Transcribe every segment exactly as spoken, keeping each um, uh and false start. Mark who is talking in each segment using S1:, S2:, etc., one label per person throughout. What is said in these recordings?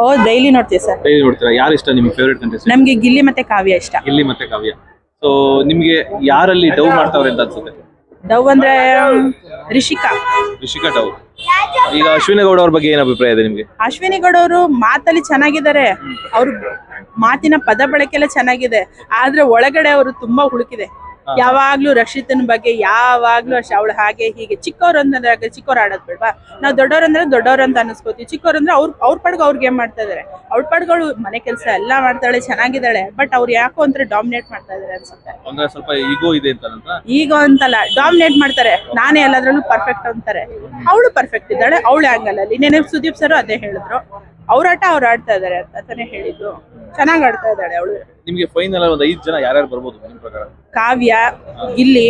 S1: ಓ daily ನೋಡ್ತೀವಿ sir.
S2: Daily ನೋಡ್ತೀರಾ? ಯಾರು ಇಷ್ಟ ನಿಮ್ಗೆ ಫೇವರೇಟ್ ಕಂಟೆಸ್ಟೆಂಟ್?
S1: ನಮ್ಗೆ ಗಿಲ್ಲಿ ಮತ್ತೆ ಕಾವ್ಯ ಇಷ್ಟ.
S2: ಗಿಲ್ಲಿ ಮತ್ತೆ ಕಾವ್ಯ. ಸೊ ನಿಮ್ಗೆ ಯಾರಲ್ಲಿ ಡವ್ ಮಾಡ್ತಾವ್ರೆ ಅಂತ ಅನ್ಸುತ್ತೆ?
S1: ಡವ್ ಅಂದ್ರೆ ರಿಷಿಕಾ.
S2: ರಿಷಿಕಾ ಡವ್. ಈಗ ಅಶ್ವಿನಿ ಗೌಡ ಅವ್ರ ಬಗ್ಗೆ ಏನ್ ಅಭಿಪ್ರಾಯ ಇದೆ ನಿಮ್ಗೆ?
S1: ಅಶ್ವಿನಿ ಗೌಡ ಅವರು ಮಾತಲ್ಲಿ ಚೆನ್ನಾಗಿದ್ದಾರೆ, ಅವ್ರ ಮಾತಿನ ಪದ ಬಳಕೆ ಎಲ್ಲ ಚೆನ್ನಾಗಿದೆ, ಆದ್ರೆ ಒಳಗಡೆ ಅವರು ತುಂಬಾ ಹುಡುಕಿದೆ. ಯಾವಾಗ್ಲೂ ರಕ್ಷಿತನ ಬಗ್ಗೆ ಯಾವಾಗ್ಲೂ ಅಷ್ಟೇ, ಅವಳು ಹಾಗೆ ಹೀಗೆ. ಚಿಕ್ಕವ್ರು ಅಂದ್ರೆ ಚಿಕ್ಕವ್ರು ಆಡೋದ್ ಬೇಡ್ವಾ? ನಾವು ದೊಡ್ಡವ್ರು ಅಂದ್ರೆ ದೊಡ್ಡವ್ರು ಅಂತ ಅನ್ಸ್ಕೋತೀವಿ. ಚಿಕ್ಕವ್ರು ಅಂದ್ರೆ ಅವ್ರ ಅವ್ರ ಪಡ್ಗ ಅವ್ರಿಗೆ ಏನ್ ಮಾಡ್ತಾ ಇದಾರೆ, ಅವ್ಳ ಪಡ್ಗಳು ಮನೆ ಕೆಲಸ ಎಲ್ಲಾ ಮಾಡ್ತಾಳೆ, ಚೆನ್ನಾಗಿದ್ದಾಳೆ. ಬಟ್ ಅವ್ರು ಯಾಕೋ ಅಂದ್ರೆ ಡಾಮಿನೇಟ್ ಮಾಡ್ತಾ ಇದಾರೆ ಅನ್ಸುತ್ತೆ.
S2: ಅಂದ್ರೆ ಸ್ವಲ್ಪ ಈಗೋ ಇದೆ ಅಂತ.
S1: ಈಗೋ ಅಂತಲ್ಲ, ಡಾಮಿನೇಟ್ ಮಾಡ್ತಾರೆ. ನಾನೇ ಎಲ್ಲದ್ರಲ್ಲೂ ಪರ್ಫೆಕ್ಟ್ ಅಂತಾರೆ. ಅವಳು ಪರ್ಫೆಕ್ಟ್ ಇದ್ದಾಳೆ ಅವಳು ಆಂಗಲ್ ಅಲ್ಲಿ. ನೆನೆ ಸುದೀಪ್ ಸರ್ ಅದೇ ಹೇಳಿದ್ರು, ಅವ್ರಾಟ ಅವ್ರು ಆಡ್ತಾ ಇದಾರೆ ಅಂತಾನೆ ಹೇಳಿದ್ರು. ಚೆನ್ನಾಗ್ ಆಡ್ತಾ ಇದ್ದಾಳೆ ಅವಳು.
S2: ನಿಮ್ಗೆ ಫೈನಲ್ ಒಂದ್ ಐದು ಜನ ಯಾರ್ಯಾರು ಬರ್ಬೋದು ನಿಮ್ ಪ್ರಕಾರ?
S1: ಕಾವ್ಯ, ಗಿಲ್ಲಿ,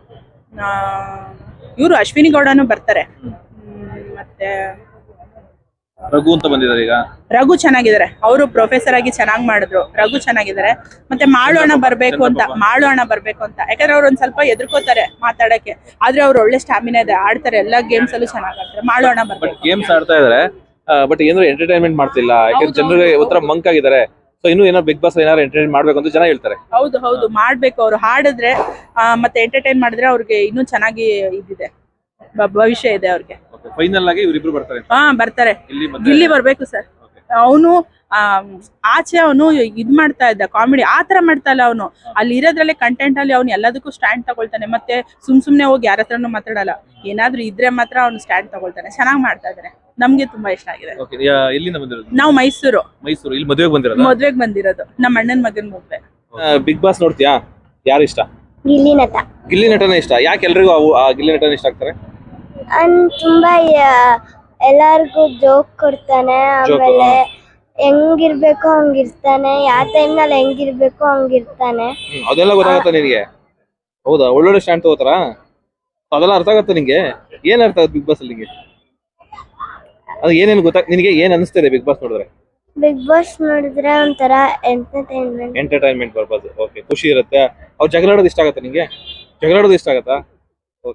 S1: ಇವರು ಅಶ್ವಿನಿ ಗೌಡನು ಬರ್ತಾರೆ. ಮತ್ತೆ
S2: ರಘು ಅಂತ ಬಂದಿದ್ದಾರೆ. ಈಗ
S1: ರಘು ಚೆನ್ನಾಗಿದ್ದಾರೆ, ಅವರು ಪ್ರೊಫೆಸರ್ ಆಗಿ ಚೆನ್ನಾಗಿ ಮಾಡಿದ್ರು. ರಘು ಚೆನ್ನಾಗಿದ್ದಾರೆ. ಮತ್ತೆ ಮಾಳೋಣ ಬರ್ಬೇಕು ಅಂತ ಮಾಳೋಣ ಬರ್ಬೇಕು ಅಂತ ಯಾಕಂದ್ರೆ ಅವ್ರು ಒಂದ್ ಸ್ವಲ್ಪ ಎದುರ್ಕೋತಾರೆ ಮಾತಾಡಕ್ಕೆ, ಆದ್ರೆ ಅವ್ರು ಒಳ್ಳೆ ಸ್ಟಾಮಿನಾ ಇದೆ, ಆಡ್ತಾರೆ. ಎಲ್ಲಾ ಗೇಮ್ಸ್ ಅಲ್ಲೂ ಚೆನ್ನಾಗಿ ಆಡ್ತಾರೆ. ಮಾಳೋಣ ಬರ್ಬೇಕು.
S2: ಗೇಮ್ಸ್ ಆಡ್ತಾ ಇದಾರೆ, ಬಟ್ ಏನಾದ್ರು ಎಂಟರ್ಟೈನ್ಮೆಂಟ್ ಮಾಡ್ತಿಲ್ಲ. ಯಾಕಂದ್ರೆ ಜನರಿಗೆ ಒಂಥರ ಮಂಕ್ ಆಗಿದ್ದಾರೆ. ಸೊ ಇನ್ನು ಏನೋ ಬಿಗ್ ಬಾಸ್ ಏನಾದ್ರು ಎಂಟರ್ಟೈನ್ ಮಾಡ್ಬೇಕು ಅಂತ ಜನ ಹೇಳ್ತಾರೆ.
S1: ಹೌದು ಹೌದು ಮಾಡ್ಬೇಕು. ಅವ್ರು ಹಾಡಿದ್ರೆ ಮತ್ತೆ ಎಂಟರ್ಟೈನ್ ಮಾಡಿದ್ರೆ ಅವ್ರಿಗೆ ಇನ್ನೂ ಚೆನ್ನಾಗಿ ಇದಿದೆ, ಭವಿಷ್ಯ ಇದೆ ಅವ್ರಿಗೆ.
S2: ಫೈನಲ್ ಆಗಿ ಇವರಿಬ್ರು ಬರ್ತಾರೆ.
S1: ಹಾ ಬರ್ತಾರೆ. ಗಿಲ್ಲಿ ಬರ್ಬೇಕು ಸರ್. ಅವನು ಆಚೆ ಅವನು ಇದ್ ಮಾಡ್ತಾ ಇದ್ದ ಕಾಮಿಡಿ, ಆತರ ಮಾಡ್ತಾ ಇಲ್ಲ ಅವನು. ಅಲ್ಲಿ ಇರೋದ್ರಲ್ಲೇ ಕಂಟೆಂಟ್ ಅಲ್ಲಿ ಅವ್ನು ಎಲ್ಲದಕ್ಕೂ ಸ್ಟ್ಯಾಂಡ್ ತಗೊಳ್ತಾನೆ. ಮತ್ತೆ ಸುಮ್ ಸುಮ್ನೆ ಹೋಗಿ ಯಾರ ಹತ್ರನು ಮಾತಾಡಲ್ಲ. ಏನಾದ್ರು ಇದ್ರೆ ಮಾತ್ರ ಅವ್ನು ಸ್ಟ್ಯಾಂಡ್ ತಗೊಳ್ತಾನೆ. ಚೆನ್ನಾಗಿ ಮಾಡ್ತಾ ಇದಾರೆ, ನಮ್ಗೆ ತುಂಬಾ ಇಷ್ಟ ಆಗಿದೆ. ನಾವು ಮೈಸೂರು
S2: ಮೈಸೂರು ಇಲ್ಲಿ ಮದುವೆಗೆ ಬಂದಿರೋದು.
S1: ಮದ್ವೆಗೆ ಬಂದಿರೋದು, ನಮ್ಮ ಅಣ್ಣನ ಮಗನ್ ಮದ್ವೆ.
S2: ಬಿಗ್ ಬಾಸ್ ನೋಡ್ತೀಯಾ? ಯಾರು ಇಷ್ಟ?
S3: ಗಿಲ್ಲಿ ನಟ.
S2: ಗಿಲ್ಲಿ ನಟನ ಇಷ್ಟ. ಯಾಕೆ ಎಲ್ರಿಗೂ ಆ ಗಿಲ್ಲಿ ನಟನ ಇಷ್ಟ ಆಗ್ತಾರೆ?
S3: ಅವ್ನು ತುಂಬಾ ಎಲ್ಲಾರ್ಗು ಜೋಕ್ ಕೊಡ್ತಾನೆ. ಆಮೇಲೆ ಹೆಂಗಿರ್ಬೇಕು ಹಂಗಿರ್ತಾನೆ, ಯಾವ ಟೈಮ್ ನಲ್ಲಿ ಹೆಂಗಿರ್ಬೇಕು ಹಂಗಿರ್ತಾನೆ.
S2: ಅದೆಲ್ಲ ಗೊತ್ತಾಗತ್ತ ನಿನ್ಗೆ? ಹೌದಾ? ಒಳ್ಳೊಳ್ಳೆ ಸ್ಟ್ಯಾಂಡ್ ತಗೋತಾರ? ಅದೆಲ್ಲ ಅರ್ಥ ಆಗತ್ತ ನಿಂಗೆ? ಏನ್ ಅರ್ಥ ಆಗುತ್ತೆ ಬಿಗ್ ಬಾಸ್ ಅಲ್ಲಿ ನಿಂಗೆ? ಅದು ಏನೇನು ಗೊತ್ತಾ ನಿನಗೆ? ಏನ್ ಅನಿಸ್ತಿದೆ ಬಿಗ್ ಬಾಸ್ ನೋಡಿದ್ರೆ?
S3: ಬಿಗ್ ಬಾಸ್ ನೋಡಿದ್ರೆ ಒಂಥರ ಎಂಟರ್ಟೈನ್ಮೆಂಟ್
S2: ಎಂಟರ್ಟೈನ್ಮೆಂಟ್ ಪರ್ಪಸ್. ಓಕೆ, ಖುಷಿ ಇರುತ್ತೆ. ಅವ್ರು ಜಗಳಾಡೋದು ಇಷ್ಟ ಆಗತ್ತಾ ನಿಂಗೆ? ಜಗಳಾಡೋದು ಇಷ್ಟ ಆಗತ್ತಾ?